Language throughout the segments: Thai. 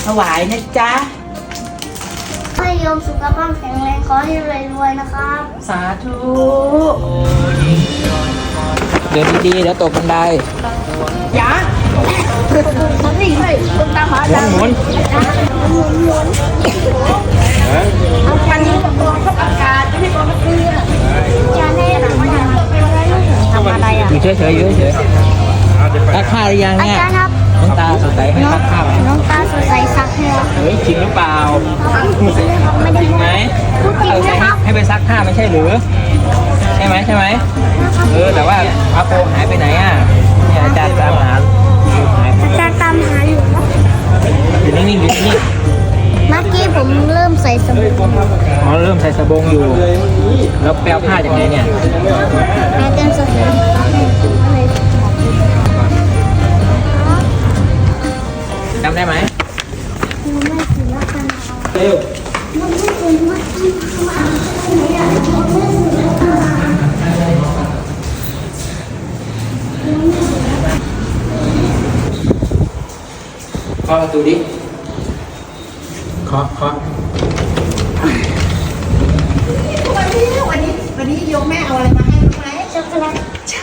ถวายนะจ๊ะให้โยมสุขภาพแข็งแรงขอให้รวยๆนะครับสาธุเดินดีๆเดี๋ยวตกบันไดอย่ามันนี่เลยคุณตาหาดังหมุนเอาคันนี้กับตัวทับอากาศไม่ให้ตัวมันเกลือจะให้หลังทำอะไรอ่ะอยู่เฉยๆอยู่เฉยๆซักผ้าหรือยังอาเนี่ยจารย์ครับน้องตาสดใสให้ซักผ้าไหมน้องตาสดใสซักให้ครับเฮ้ยจริงหรือเปล่าไม่ได้จริงไหมพูดจริงนะครับให้ไปซักผ้าไม่ใช่หรือใช่ไหมแต่ว่าพระโปหายไปไหนอ่ะเนี่ยอาจารย์ตามหาหายไปอาจารย์ตามหาอยู่ครับอยู่นิ่งๆอยู่นิ่งเมื่อกี้ผมเริ่มใส่สบู่ๆอ๋อเริ่มใส่สบงอยู่ แล้วแปลผ้าจากไหนเนี่ยอาจารย์สดใสจำได้ไหมไม่ถือว่ากันเร็วมันไม่ถือว่ากันเคาะประตูดิเคาะวันนี้โยมแม่เอาอะไรมาให้รู้ไหมช็อกโกแลตใช่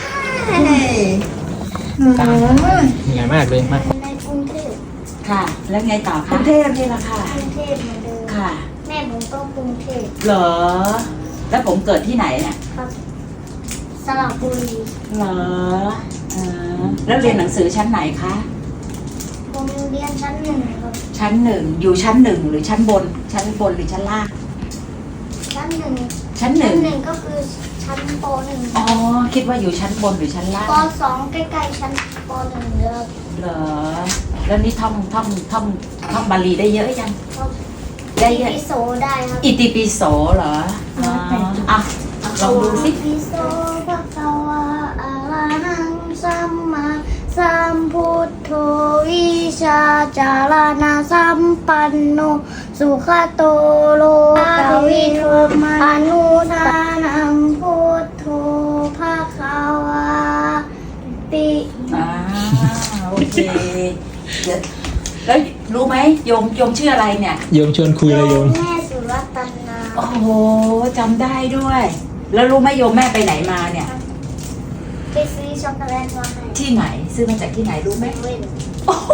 เหนื่อยมากเลยมาในกรุงเทพค่ะ แล้วไงต่อคะกรุงเทพนี่แหละค่ะกรุงเทพเหมือนเดิมค่ะแม่ผมก็กรุงเทพเหรอ แล้วผมเกิดที่ไหนเนี่ยครับสระบุรีเหรอแล้วเรียนหนังสือชั้นไหนคะผมเรียนชั้นหนึ่งครับชั้นหนึ่งอยู่ชั้นหนึ่งหรือชั้นบน ชั้นบนหรือชั้นล่างชั้นหนึ่งชั้นหชั้นึ่นงหนึ่งก็คือชั้นปหนึ่งอ๋อ คิดว่าอยู่ชั้นบนหรือชั้นล่างปสองใกล้ๆชั้นปหนึ่งเลยครับเหรอ แล้วนี่ท่องบาลีได้เยอะยัง ได้เยอะปิโสได้ครับอิติปิโสเหรออ๋ออ่ะลองดูสิปิโสภะคะวะอะระหังสัมมาสัมพุทโธวิชาจารณะสัมปันโนสุขโตโลกวิทูมานุทานังพุทโธภะคะวะติโอเคเดี๋ยวแล้วรู้ไหมโยมชื่ออะไรเนี่ยโยมชวนคุยเลยโยมแม่สุรัตนาโอ้โหจำได้ด้วย แล้วรู้ไหมโยมแม่ไปไหนมาเนี่ยไปซื้อช็อกโกแลตมาให้ที่ไหน ซื้อมาจากที่ไหนรู้ไหมเว้นโอ้โห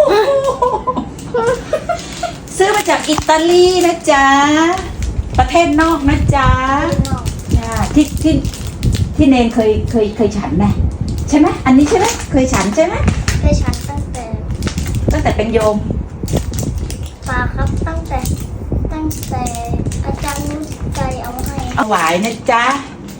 ซื้อมาจากอิตาลีนะจ๊ะ ประเทศนอกนะจ๊ะนอกจ้ะที่เนนเคยฉันไหมใช่ไหมอันนี้ใช่ไหมเคยฉันใช่ไหมเคยฉันตั้งแต่ตั้งแต่เป็นโยมปาครับตั้งแต่อาจารย์นุชใจเอาให้เอาหวายนะจ๊ะ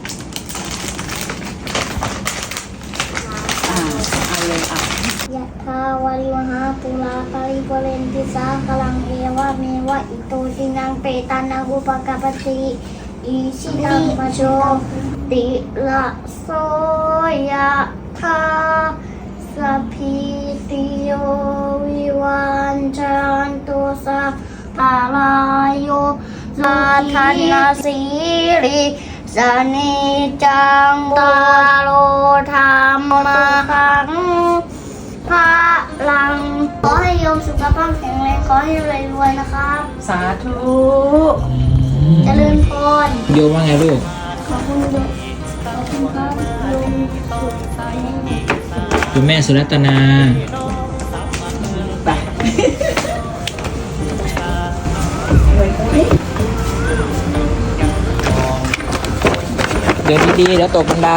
เอาเลยเอายะทาวาริวหาปุราปาริโกเรนติสากลังเอวะเมวะอิโตจินังเปตานังอุปกปปติอิชิตังปะโชติละโสยะทาสัพพิติโยวิวันจันตุสัพพะลายโยสัทธนาสีริสนิจังตาโลธรรมขังพระลังขอให้โยมสุขภาพแข็งแรงขอให้รวยๆนะครับสาธุเจริญพรโยมว่าไงลูกขอบคุณโยมขอบคุณครับโยมสุขใจคุณแม่สุรัตนาไปเดินดีๆเดี๋ยวตกบันได